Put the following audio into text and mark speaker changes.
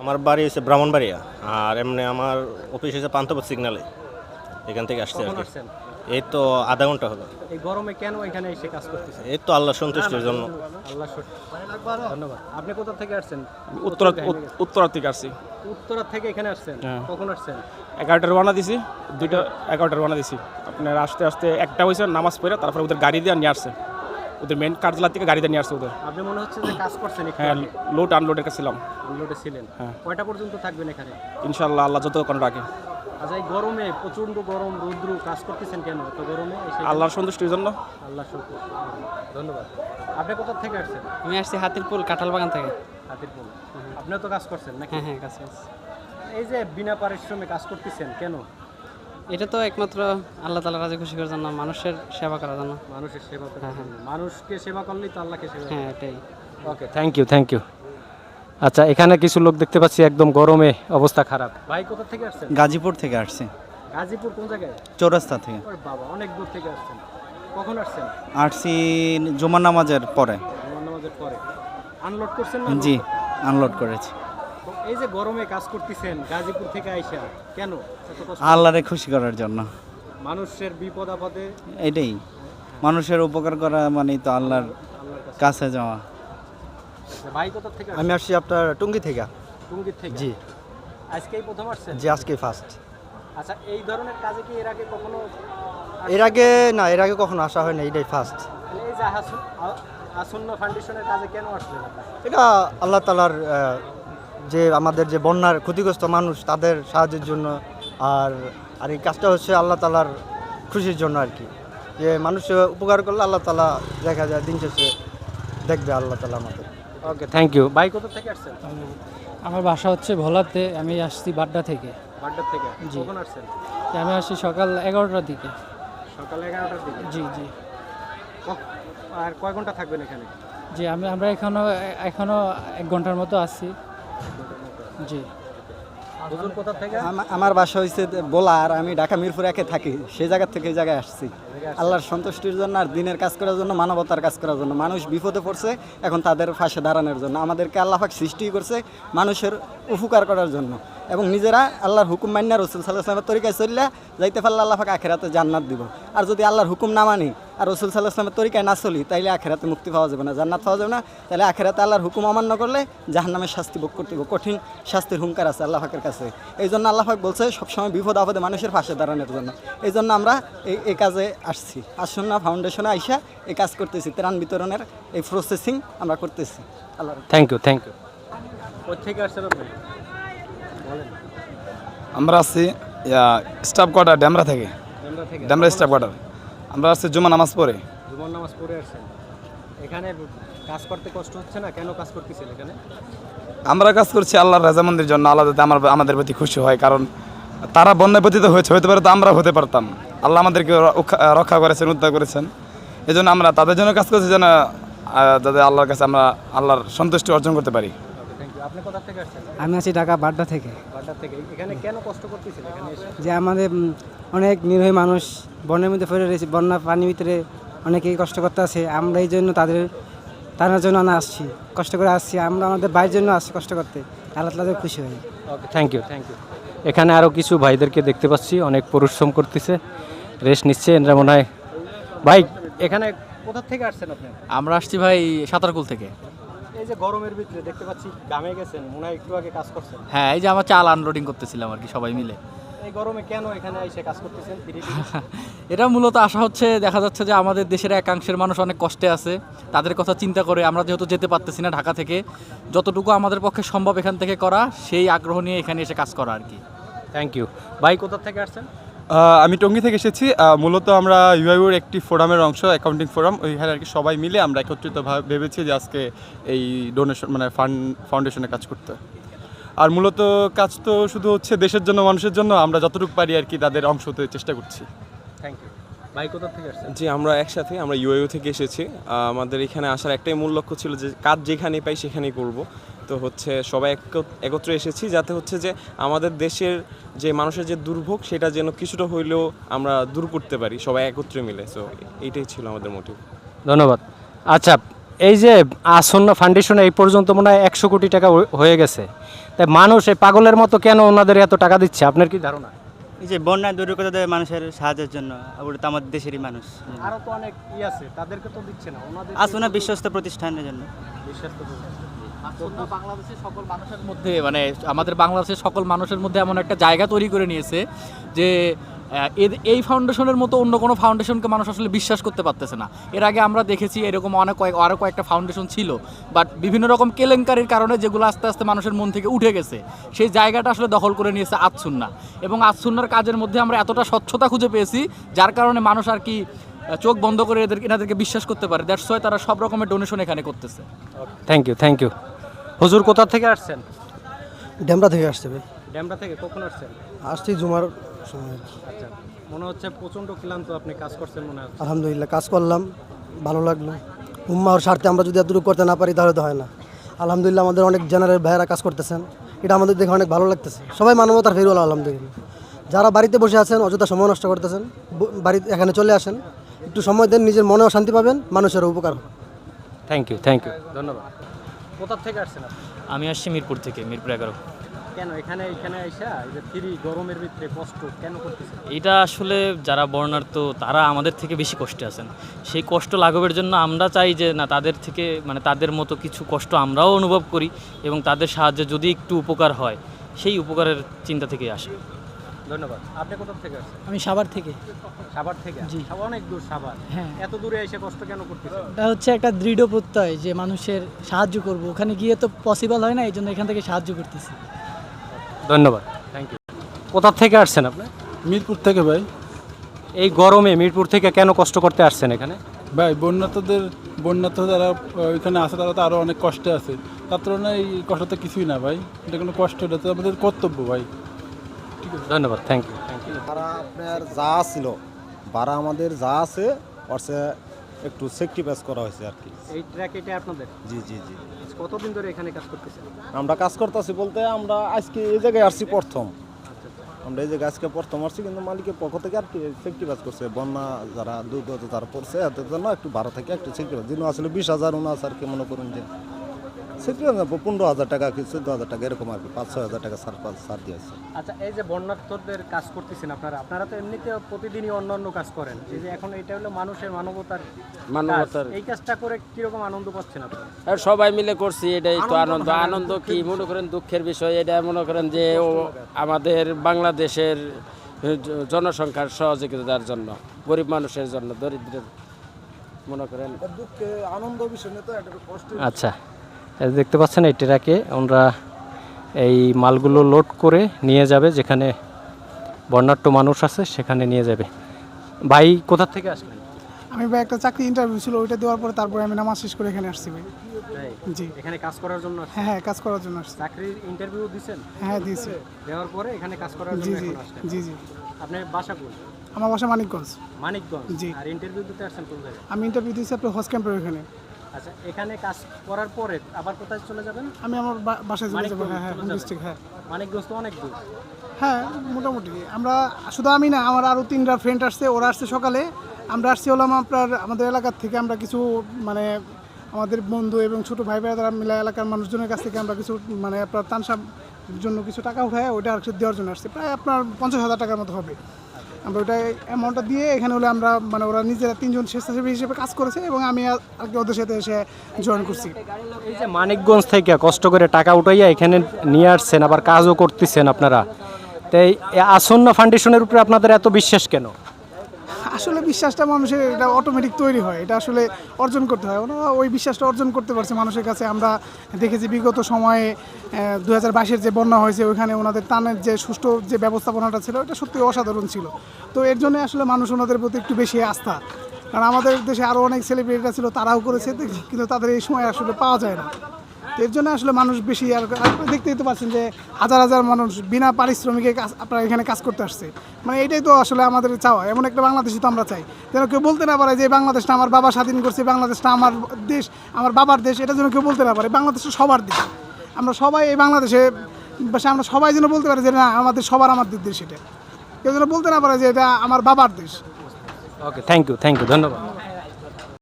Speaker 1: আমার বাড়ি হচ্ছে ব্রাহ্মণবাড়িয়া, আর এমনি আমার অফিস হচ্ছে পান্থপথ সিগনালে, এখান থেকে আসছে আর
Speaker 2: কখন
Speaker 1: কি।
Speaker 2: আসছেন?
Speaker 1: এই তো আধা ঘন্টা হলো।
Speaker 2: এই গরমে কেন এখানে এসে কাজ করতেছেন?
Speaker 1: এই তো আল্লাহ সন্তুষ্টির জন্য।
Speaker 2: আল্লাহ ধন্যবাদ। আপনি কোথা থেকে আসছেন?
Speaker 3: উত্তরা থেকে আসছি।
Speaker 2: উত্তরা থেকে এখানে আসছেন?
Speaker 3: হ্যাঁ।
Speaker 2: কখন আসছেন?
Speaker 3: 11টার রওনা দিছি, 11টার রওনা দিছি। আপনার আস্তে আস্তে একটা হয়েছে নামাজ পড়ে, তারপরে ওদের গাড়ি দিয়ে নিয়ে আসছে, ওদের মেন কার্যালয় থেকে গাড়ি দিয়ে নিয়ে আসছে ওদের।
Speaker 2: আপনি মনে হচ্ছে যে কাজ করছেন একটু
Speaker 3: হ্যাঁ,
Speaker 2: আগে।
Speaker 3: লোড আনলোডের কাছে ছিলাম।
Speaker 2: আনলোডে ছিলেন।
Speaker 3: হ্যাঁ।
Speaker 2: কয়টা পর্যন্ত থাকবেন এখানে?
Speaker 3: ইনশাল্লাহ আল্লাহ যতক্ষণ রাখে।
Speaker 2: আচ্ছা, এই গরমে প্রচন্ড গরম, রৌদ্র, কাজ করতেছেন কেন এত গরমে এসে?
Speaker 3: আল্লাহর সন্তুষ্টির জন্য।
Speaker 2: আল্লাহ শুকর। ধন্যবাদ। আপনি কোথা থেকে আসছেন?
Speaker 4: আমি আসছি হাতিরপুল কাঁঠাল বাগান থেকে।
Speaker 2: হাতিরপুল। আপনিও তো কাজ করছেন নাকি?
Speaker 4: হ্যাঁ হ্যাঁ, কাছে আছে।
Speaker 2: এই যে বিনা পারিশ্রমে কাজ করতেছেন কেন?
Speaker 4: এটা তো একমাত্র আল্লাহ তাআলা রাজি খুশি করার জন্য, মানুষের সেবা করার জন্য।
Speaker 2: মানুষের সেবা করার
Speaker 4: হ্যাঁ,
Speaker 2: জন্য। মানুষকে সেবা করলেই তো আল্লাহকে সেবা।
Speaker 4: হ্যাঁ, এটাই।
Speaker 2: Okay, thank you. আচ্ছা, এখানে কিছু লোক দেখতে পাচ্ছি একদম গরমে অবস্থা খারাপ। ভাই কোথা থেকে আসছেন?
Speaker 5: গাজীপুর থেকে আসছি,
Speaker 2: গাজীপুর কোন জায়গায়?
Speaker 5: চৌরাস্তা থেকে
Speaker 2: ওরে বাবা, অনেক দূর থেকে আসছেন। কখন আসছেন?
Speaker 5: আসছি জুমার নামাজের পরে।
Speaker 2: জুমার নামাজের পরে। আনলোড করছেন না?
Speaker 5: জি, আনলোড করেছি।
Speaker 2: তো এই যে গরমে কাজ করতেছেন গাজীপুর থেকে আইসা, কেন এত কষ্ট?
Speaker 5: আল্লাহরে খুশি করার জন্য।
Speaker 2: মানুষের বিপদ আপদে
Speaker 5: এটাই, মানুষের উপকার করা মানেই তো আল্লাহর
Speaker 2: আল্লাহর কাছে।
Speaker 5: কাছে যাওয়া।
Speaker 2: আচ্ছা, ভাই কোথা থেকে আসছেন?
Speaker 6: আমি আসছি আপনার টুঙ্গি থেকে।
Speaker 2: টুঙ্গির থেকে?
Speaker 6: জি।
Speaker 2: আজকেই প্রথম আসছেন?
Speaker 6: জি, আজকে ফার্স্ট।
Speaker 2: আচ্ছা, এই ধরনের কাজে কি এর আগে কখনো
Speaker 6: এর আগে না, এর আগে কখনো আসা হয় না, এটাই ফার্স্ট।
Speaker 2: মানে এই যে আসন্ন ফাউন্ডেশনের কাজে কেন আসলেন আপনারা?
Speaker 6: এটা আল্লাহ তাআলার যে আমাদের যে বন্যার ক্ষতিগ্রস্ত মানুষ তাদের সাহায্যের জন্য, আর আর এই কাজটা হচ্ছে আল্লাহ তাআলার খুশির জন্য আর কি, যে মানুষের উপকার করলে আল্লাহ তাআলা দেখা যায় দিন শেষে দেখবে আল্লাহ তাআলা আমাদের।
Speaker 2: Okay, thank you. ভাই কোথা থেকে আসছেন?
Speaker 7: আমার বাসা হচ্ছে ভোলাতে, আমি আসছি বাড্ডা থেকে।
Speaker 2: বাড্ডা থেকে?
Speaker 7: জি।
Speaker 2: কখন আসছেন?
Speaker 7: আমি আসছি সকাল 11টার দিকে।
Speaker 2: সকাল 11টার দিকে?
Speaker 7: জি জি
Speaker 2: আর কয় ঘন্টা থাকবেন এখানে?
Speaker 7: জি, আমরা এখনো 1 ঘন্টার মতো আছি। জি।
Speaker 2: হুজুর কোথা থেকে?
Speaker 5: আমার বাসা হয়েছে বোলা, আর আমি ঢাকা মিরপুর একে থাকি, সেই জায়গা থেকে এই জায়গায় আসছি আল্লাহর সন্তুষ্টির জন্য, আর দিনের কাজ করার জন্য, মানবতার কাজ করার জন্য। মানুষ বিপদে পড়ছে, এখন তাদের পাশে দাঁড়ানোর জন্য। আমাদেরকে আল্লাহ পাক সৃষ্টি করছে মানুষের উপকার করার জন্য, এবং নিজেরা আল্লাহর হুকুম মান্য রাসূল সাল্লাল্লাহু আলাইহি ওয়াসাল্লামের তরিকায় চললে যাইতে পারলে আল্লাহ পাক আখিরাতে জান্নাত দিব। আর যদি আল্লাহর হুকুম না মানি আর রাসূল সাল্লাল্লাহু আলাইহি ওয়াসাল্লামের তরিকায় না চলি, তাইলে আখিরাতে মুক্তি পাওয়া যাবে না, জান্নাত পাওয়া যাবে না। তাহলে আখিরাতে আল্লাহর হুকুম অমান্য করলে জাহান্নামের শাস্তি ভোগ করতে হবে, কঠিন শাস্তির হুঙ্কার আছে আল্লাহ পাকের কাছে। এই জন্য আল্লাহ পাক বলছে সবসময় বিপদ আপদে মানুষের পাশে দাঁড়ানোর জন্য। এই জন্য আমরা এই কাজে আসছি, আসন্না ফাউন্ডেশনে আইসা এই কাজ করতেছি, ত্রাণ বিতরণের এই প্রসেসিং আমরা করতেছি। আল্লাহ
Speaker 2: থ্যাংক ইউ। কোথা থেকে আসছেন আপনি? বলেন।
Speaker 3: আমরা আসছি স্টাফ কোয়ার্টার ড্যামরা থেকে,
Speaker 2: ডেমরা থেকে?
Speaker 3: ড্যামরা
Speaker 2: কখন
Speaker 3: স্টাফ কোয়ার্টার। আমরা আসছি জুমা নামাজ পড়ে।
Speaker 2: আসছেন? জুমার নামাজ পড়ে আসছেন। এখানে কাজ করতে কষ্ট হচ্ছে না? কেন কাজ করতেছেন এখানে?
Speaker 3: আমরা কাজ করছি আল্লাহর রাজামন্দির জন্য, আল্লাহ যাতে আমাদের প্রতি খুশি হয়, কারণ তারা বন্যায় পতিত হয়েছে, হতে পারে তো আমরা হতে পারতাম। আল্লাহ আমাদেরকে রক্ষা করেছেন, উদ্ধার করেছেন। এই জন্য আমরা তাদের জন্য কাজ করছি, যেন যাতে আল্লাহর কাছে আমরা আল্লাহর সন্তুষ্টি অর্জন করতে পারি।
Speaker 2: Thank you. আপনি কোথা থেকে আসছেন?
Speaker 7: আমি আছি ঢাকা বাড্ডা থেকে।
Speaker 2: বাড্ডা থেকে? এখানে কেন কষ্ট করতেছেন এখানে এসে?
Speaker 7: যে আমাদের অনেক নিরীহ মানুষ বন্যার মধ্যে পড়ে রয়েছে, বন্যা পানির ভিতরে অনেকেই কষ্ট করতে আছে। আমরা এই জন্য তাদের জন্য আসছি, কষ্ট করে আসছি। আমরা আমাদের ভাইয়ের জন্য আসছি কষ্ট করতে, আল্লাহ তাআলা খুশি হয়।
Speaker 2: Okay, thank you. এখানে আরও কিছু ভাইদেরকে দেখতে পাচ্ছি, অনেক পরিশ্রম করতেছে, রেস্ট নিচ্ছে এরা মনে হয়। ভাই, এখানে কোথা থেকে আসছেন আপনি?
Speaker 4: আমরা আসছি ভাই সাঁতারকুল থেকে।
Speaker 2: এই যে গরমের ভিতরে দেখতে পাচ্ছি ঘামে গেছেন, মনে হয় একটু আগে কাজ করছেন।
Speaker 4: হ্যাঁ, এই যে আমার চাল আনলোডিং করতেছিলাম আর কি, সবাই মিলে।
Speaker 2: এই গরমে কেন এখানে এসে কাজ করতেছেন?
Speaker 4: এটা মূলত আশা হচ্ছে, দেখা যাচ্ছে যে আমাদের দেশের একাংশের মানুষ অনেক কষ্টে আছে, তাদের কথা চিন্তা করে আমরা যেহেতু যেতে পারতেছি না ঢাকা থেকে, যতটুকু আমাদের পক্ষে সম্ভব এখান থেকে করা, সেই আগ্রহ নিয়ে এখানে এসে কাজ করা আর কি।
Speaker 2: Thank you. ভাই, কোথা থেকে আসছেন?
Speaker 8: আমি টঙ্গী থেকে এসেছি। মূলত আমরা ইউআইউর একটি ফোরামের অংশ, অ্যাকাউন্টিং ফোরাম। ওইখানে আর কি সবাই মিলে আমরা একত্রিতভাবে ভেবেছি যে আজকে এই ডোনেশন মানে ফাউন্ডেশনে কাজ করতে। আর মূলত কাজ তো শুধু হচ্ছে দেশের জন্য, মানুষের জন্য। আমরা যতটুকু পারি আর কি তাদের অংশ হতে চেষ্টা করছি।
Speaker 2: Thank you. ভাই, কোথা থেকে আসছেন?
Speaker 9: জি, আমরা একসাথে, আমরা ইউআইউ থেকে এসেছি। আমাদের এখানে আসার একটাই মূল লক্ষ্য ছিল যে কাজ যেখানেই পাই সেখানেই করব। তো হচ্ছে সবাই একত্রে এসেছি যাতে হচ্ছে যে আমাদের দেশের যে মানুষের যে দুর্ভোগ, সেটা যেন কিছুটা হইলেও আমরা দূর করতে পারি সবাই একত্রে মিলে। সো এইটাই ছিল আমাদের মোটিভ।
Speaker 2: ধন্যবাদ। আচ্ছা, এই যে আসন্ন ফাউন্ডেশনে এই পর্যন্ত মনে হয় 100 কোটি টাকা হয়ে গেছে। তাই মানুষ এই পাগলের মতো কেন ওনাদের এত টাকা দিচ্ছে আপনার কি ধারণা?
Speaker 10: এই যে বন্যা দুর্গতদের মানুষের সাহায্যের জন্য, ওটা তো আমাদের দেশেরই মানুষ।
Speaker 2: আরো তো অনেক আছে, তাদেরকে তো দিচ্ছে না ওনাদের।
Speaker 10: আসুন না বিশ্বস্ত প্রতিষ্ঠানের জন্য।
Speaker 4: বাংলাদেশের সকল মানুষের মধ্যে মানে আমাদের বাংলাদেশের সকল মানুষের মধ্যে এমন একটা জায়গা তৈরি করে নিয়েছে যে এই ফাউন্ডেশনের মতো অন্য কোনো ফাউন্ডেশনকে মানুষ আসলে বিশ্বাস করতে পারতেছে না। এর আগে আমরা দেখেছি এরকম আরও কয়েকটা ফাউন্ডেশন ছিল, বাট বিভিন্ন রকম কেলেঙ্কারির কারণে যেগুলো আস্তে আস্তে মানুষের মন থেকে উঠে গেছে, সেই জায়গাটা আসলে দখল করে নিয়েছে আজসুন্নাহ। এবং আজসুন্নাহর কাজের মধ্যে আমরা এতটা স্বচ্ছতা খুঁজে পেয়েছি, যার কারণে মানুষ আর কি চোখ বন্ধ করে এনাদেরকে বিশ্বাস করতে পারে। দ্যাটস ওয়াই তারা সব রকমের ডোনেশন এখানে করতেছে।
Speaker 2: Thank you. হুজুর কোথা থেকে আসছেন?
Speaker 6: ড্যামরা থেকে আসছে ভাই।
Speaker 2: ড্যামরা থেকে কখন আসছেন?
Speaker 6: আসছি জুমার সময়।
Speaker 2: আচ্ছা, মনে হচ্ছে প্রচন্ড ক্লান্ত, আপনি কাজ করছেন মনে হচ্ছে।
Speaker 6: আলহামদুলিল্লাহ কাজ করলাম, ভালো লাগলো। উম্মার স্বার্থে আমরা যদি এতটুকু করতে না পারি তাহলে তো হয় না। আলহামদুলিল্লাহ আমাদের অনেক জেনারেল ভাইয়েরা কাজ করতেছেন, এটা আমাদের দেখে অনেক ভালো লাগতেছে। সবাই মানবতার ফেরওয়ালা আলহামদুলিল্লাহ। যারা বাড়িতে বসে আছেন অযথা সময় নষ্ট করতেছেন, বাড়িতে এখানে চলে আসেন, একটু সময় দেন, নিজের মনেও শান্তি পাবেন, মানুষের উপকার হবে।
Speaker 2: থ্যাংক ইউ, ধন্যবাদ। কোথা থেকে আসছেন আপনি?
Speaker 4: আমি আসছি মিরপুর থেকে, মিরপুর 11।
Speaker 2: কেন এখানে আইসা এই যে ফ্রি গরমের ভিতরে কষ্ট কেন করতেছেন?
Speaker 11: এটা আসলে যারা বর্ণার্থ তারা আমাদের থেকে বেশি কষ্টে আছেন। সেই কষ্ট লাঘবের জন্য আমরা চাই যে না, তাদের থেকে মানে তাদের মতো কিছু কষ্ট আমরাও অনুভব করি এবং তাদের সাহায্যে যদি একটু উপকার হয়, সেই উপকারের চিন্তা থেকে আসে।
Speaker 2: ধন্যবাদ। আপনি কোথা থেকে আসছেন?
Speaker 7: আমি সাভার থেকে।
Speaker 2: সাভার থেকে?
Speaker 7: জি।
Speaker 2: অনেক দূর সাভার।
Speaker 7: হ্যাঁ।
Speaker 2: এত দূরে এসে কষ্ট কেন করতেছেন?
Speaker 7: এটা হচ্ছে একটা দৃঢ় প্রত্যয় যে মানুষের সাহায্য করব, ওখানে গিয়ে তো পসিবল হয় না, এই জন্য এখান থেকে সাহায্য করতেছি।
Speaker 2: ধন্যবাদ, থ্যাংক ইউ। কোথা থেকে আসছেন আপনি?
Speaker 8: মিরপুর থেকে ভাই।
Speaker 2: এই গরমে মিরপুর থেকে কেন কষ্ট করতে আসছেন এখানে?
Speaker 8: ভাই বন্যার্থ যারা ওইখানে আছে তারা তো আরও অনেক কষ্টে আছে, তার তুলনায় এই কষ্ট তো কিছুই না ভাই, এটা কোনো কষ্ট, এটা তো আমাদের কর্তব্য ভাই।
Speaker 2: ধন্যবাদ, থ্যাংক ইউ।
Speaker 12: ভাড়া আপনার যা ছিল, ভাড়া আমাদের যা আছে অর্থে একটু সেক্রিফাইস করা হয়েছে আর কি।
Speaker 2: এই ট্র্যাক এটা আপনাদের?
Speaker 12: জি।
Speaker 2: কতদিন ধরে এখানে কাজ করতেছেন?
Speaker 12: আমরা কাজ করতেছি বলতে আমরা আজকে এই জায়গায় আসছি প্রথম। আমরা এই জায়গায় আজকে প্রথম আসছি, কিন্তু মালিকের পক্ষ থেকে আর কি সেক্রিফাইস করছে, বন্যা যারা দুর্গত যারা পড়ছে এদের জন্য একটু ভাড়া থেকে একটু সেক্রিফাইস দিন আসলে 20,000 উনাস আর কি মনে করুন যে সেক্রিফাইস 15,000 টাকা কি 14,000 টাকা এরকম আর কি, 5-6,000 টাকা ছাড় দিয়েছে।
Speaker 2: আচ্ছা, এই যে বন্যার্থদের কাজ করতেছেন আপনারা তো এমনিতে প্রতিদিনই অন্য কাজ করেন, এই যে এখন এটা হলো মানুষের মানবতার, এই কাজটা করে কিরকম আনন্দ পাচ্ছেন আপনারা?
Speaker 13: সবাই মিলে করছি, এটাই তো আনন্দ কি মনে করেন দুঃখের বিষয় এটা মনে করেন যে আমাদের বাংলাদেশের জনসংখ্যার সহযোগিতার জন্য, গরিব মানুষের জন্য, দরিদ্রের মনে করেন
Speaker 12: দুঃখে আনন্দ বিষয় নিয়ে তো একটা কষ্ট।
Speaker 2: আচ্ছা, এই দেখতে পাচ্ছেন এই ট্রাকে ওনারা এই মালগুলো লোড করে নিয়ে যাবে, যেখানে বন্যার্থ মানুষ আছে সেখানে নিয়ে যাবে। ভাই কোথা থেকে আসলেন?
Speaker 7: আমি ভাই একটা চাকরি ইন্টারভিউ ছিল, ওইটা দেওয়ার পরে তারপরে আমি নামাজ শেষ করে এখানে আসছি ভাই। জি।
Speaker 2: এখানে কাজ করার জন্য?
Speaker 7: হ্যাঁ, কাজ করার জন্য আসছি।
Speaker 2: চাকরির ইন্টারভিউ দিয়েছেন?
Speaker 7: হ্যাঁ, দিয়েছি।
Speaker 2: দেওয়ার পরে এখানে কাজ করার জন্য এখন আসছেন?
Speaker 7: জি।
Speaker 2: আপনার বাসা কোন?
Speaker 7: আমার বাসা মানিকগঞ্জ।
Speaker 2: জি। আর ইন্টারভিউ দিতে আসছেন কোন জায়গায়?
Speaker 7: আমি ইন্টারভিউ দিয়েছি আপনার হোস্ট ক্যাম্পের ওখানে।
Speaker 2: আচ্ছা, এখানে কাজ করার পরে আবার কোথায় চলে যাবেন?
Speaker 7: আমি আমার বাসায় চলে যাবো। হ্যাঁ, ডিস্ট্রিক্ট। হ্যাঁ,
Speaker 2: মানিকগঞ্জ তো অনেক দূর।
Speaker 7: হ্যাঁ, মোটামুটি আমরা শুধু আমি না, আমার আরও 3টা ফ্রেন্ড আসছে, ওরা আসছে সকালে, আমরা আসছি হলাম আমাদের এলাকার থেকে, আমরা কিছু মানে আমাদের বন্ধু এবং ছোটো ভাই যারা মিলে এলাকার মানুষজনের কাছ থেকে আমরা কিছু মানে আপনার তানসার জন্য কিছু টাকা উঠায় ওইটা আর দেওয়ার জন্য আসছে, প্রায় আপনার 50,000 টাকার মতো হবে। আমরা ওটা অ্যামাউন্টটা দিয়ে এখানে হলে আমরা মানে ওরা নিজেরা 3জন স্বেচ্ছাসেবী হিসেবে কাজ করেছে এবং আমি আর কি ওদের সাথে এসে জয়েন করছি।
Speaker 2: এই যে মানিকগঞ্জ থেকে কষ্ট করে টাকা উঠাইয়া এখানে নিয়ে আসছেন, আবার কাজও করতেছেন আপনারা, তাই আসন্না ফাউন্ডেশনের উপরে আপনাদের এত বিশ্বাস কেন?
Speaker 7: আসলে বিশ্বাসটা মানুষের এটা অটোমেটিক তৈরি হয়, এটা আসলে অর্জন করতে হয়। ওরা ওই বিশ্বাসটা অর্জন করতে পারছে মানুষের কাছে। আমরা দেখেছি বিগত সময়ে 2022-এর যে বন্যা হয়েছে ওইখানে ওনাদের ত্রাণের যে সুষ্ঠু যে ব্যবস্থাপনাটা ছিল এটা সত্যি অসাধারণ ছিল। তো এর জন্য আসলে মানুষ ওনাদের প্রতি একটু বেশি আস্থা, কারণ আমাদের দেশে আরও অনেক সেলিব্রিটিরা ছিল, তারাও করেছে, কিন্তু তাদের এই সময় আসলে পাওয়া যায় না। এর জন্য আসলে মানুষ বেশি, আর দেখতেই তো পাচ্ছেন যে হাজার হাজার মানুষ বিনা পারিশ্রমিকে আপনারা এখানে কাজ করতে আসছে। মানে এটাই তো আসলে আমাদের চাওয়া, এমন একটা বাংলাদেশই তো আমরা চাই, যেন কেউ বলতে না পারে যে বাংলাদেশটা আমার বাবা স্বাধীন করছে, বাংলাদেশটা আমার দেশ, আমার বাবার দেশ, এটা যেন কেউ বলতে না পারে। বাংলাদেশটা সবার দেশ, আমরা সবাই এই বাংলাদেশে, আমরা সবাই যেন বলতে পারি যে না আমাদের সবার আমাদের দেশ, এটা কেউ যেন বলতে না পারে যে এটা আমার বাবার দেশ।
Speaker 2: ওকে, থ্যাংক ইউ, ধন্যবাদ।